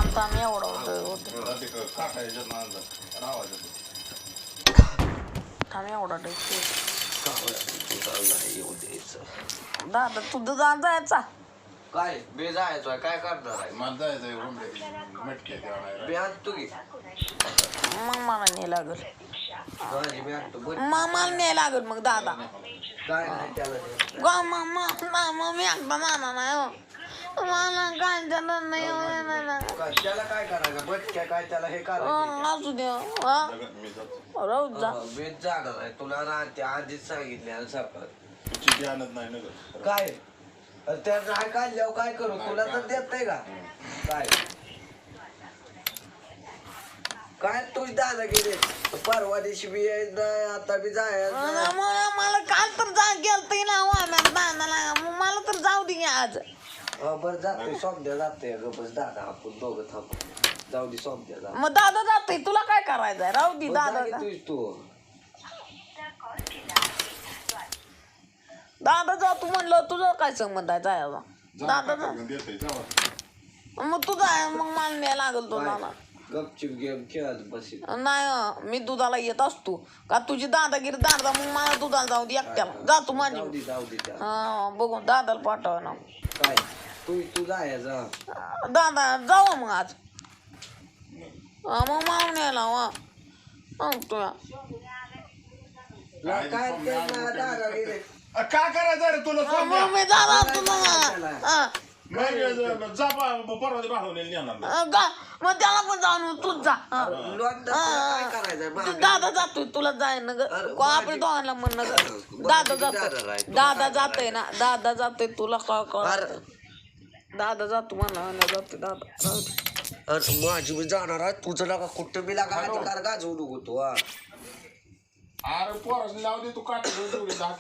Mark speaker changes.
Speaker 1: थांब एवढं होतं थांब एवढा दादा तू दुधा जायचा
Speaker 2: काय बे जायचोय काय करणार आहे
Speaker 3: मला जायचंय
Speaker 2: बे आणतो की
Speaker 1: मग मला नाही लागल
Speaker 2: माझी बे आणतो बरं
Speaker 1: मला नाही लागल मग दादा
Speaker 2: काय नाही त्याला
Speaker 1: मी एकदा नाना नाही हो मला काय झालं नाही
Speaker 2: काय त्याला काय करायचं बटक्या काय त्याला हे करायचं
Speaker 1: असू दे राहू जा
Speaker 2: बेत जाणार आहे तुला राहते आधीच सांगितले सकाळ
Speaker 3: चिठी आणत नाही ना
Speaker 2: काय त्या नाही काढल्यावर काय करू तुला तर देत नाही का काय काय तुझ दादा गेले परवा दिवशी बी आता बी जायचं
Speaker 1: मला काल तर जा गेलतंय ना दादाला मला तर जाऊ दे आज
Speaker 2: बरं जातोय सोमद्या जातोय ग बस दादा आपण दोघं थांब जाऊ दे सोमद्या जा
Speaker 1: मग दादा जातोय तुला काय करायचंय राहू दे दादा
Speaker 2: तू
Speaker 1: दादा जा तू म्हणलं तुझं काय संबंध आहे जायला दादा जा मग तू जाय मग मला नाही लागल तो दादा
Speaker 2: गपचिप गेम खेळत बसेल
Speaker 1: नाही मी दुधाला येत असतो का तुझी दादागिरी दादा मग मला दुधाला जाऊ दे एकट्याला जा तू माझी
Speaker 2: जाऊ दे त्या
Speaker 1: हा बघून दादाला पाठव ना
Speaker 2: काय तू जायचं
Speaker 1: दादा जाऊ मग आज मग मारून यायला मग तुला
Speaker 2: काय दादा गेले
Speaker 3: काय करायचं रे तुला
Speaker 1: मग मी दादा तुला
Speaker 3: परवा भाडून नेणार
Speaker 1: मग त्याला पण जाऊन तूच जा
Speaker 2: काय करायचं
Speaker 1: दादा जातोय तुला जाय ना ग आपल्या दोघांना म्हण दादा जातोय दादा जातोय ना दादा जातोय तुला काय कर दादा जातो म्हणा जातोय दादा
Speaker 2: अरे माझी मी जाणार आहे तुझं लागा कुठं बी लागा अधिकार गाजवू नको तो
Speaker 3: अरे पोरास लावू दे तू काट